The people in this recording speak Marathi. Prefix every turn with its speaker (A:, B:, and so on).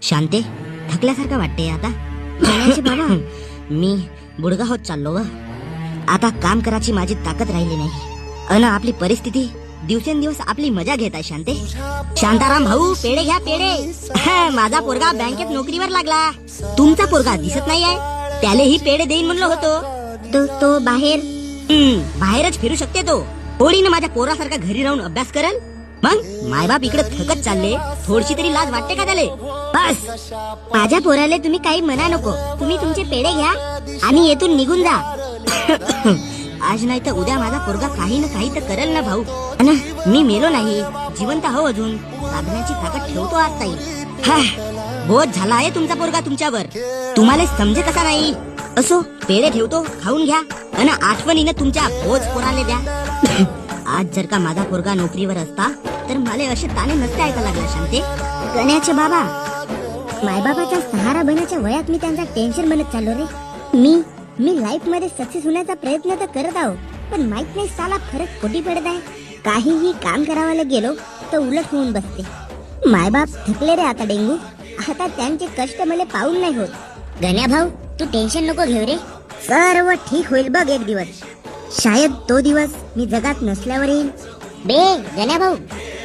A: शांते, थकल्यासारखं वाटते आता. गण्याचे बाबा, मी बुडगा होत चाललो व आता काम करायची माझी ताकद राहिली नाही. अन आपली परिस्थिती दिवसेंदिवस आपली मजा घेत आहे. शांते, शांताराम भाऊ, पेढे घ्या पेढे. माझा पोरगा बँकेत नोकरीवर लागला. तुमचा पोरगा दिसत नाही आहे, त्यालाही पेढे देईन म्हणलो होतो. तो बाहेरच फिरू शकते. तो होळीनं माझ्या पोरासारखा घरी राहून अभ्यास करल. मग मायबाप इकडे थकत चालले, थोडीशी तरी लाज वाटते का त्याले? बस, माझ्या पोराले तुम्ही काही म्हणा नको. तुम्ही तुमचे पेढे घ्या आणि येथून निघून जा. आज नाही तर उद्या माझा पोरगा काही ना काही तर करेल ना भाऊ. ना, मी मेलो नाही, जिवंत हो अजून. साधण्याची ताकद ठेवतो आज ताई. बोध झाला आहे तुमचा पोरगा तुमच्यावर. तुम्हाला समजे कसा नाही. असो, पेढे ठेवतो, खाऊन घ्या. अन आठवणीनं तुमच्या बोध पोराले द्या. आज जर का माझा पोरगा नोकरीवर असता तर मला असे ताणे नसते ऐका लागला. शांते, गण्याचे बाबा, मायबाबाचा सहारा बनायच्या वयात मी त्यांचा टेन्शन बनत चाललो रे. मी लाईफ मध्ये सक्सेस होण्याचा प्रयत्न तर करत आहो, पण माहित नाही साला फरक कोटी पडत आहे. काहीही काम करावायला गेलो तर उलट होऊन बसते. मायबाप थकले रे आता डेंगू. आता त्यांचे कष्ट मला पाहून नाही होत. गण्या भाऊ, तू टेन्शन नको घेऊ रे. सर्व ठीक होईल बघ एक दिवस. शायद तो दिवस मी जगात नसल्यावर येईल. बे गण्या भाऊ,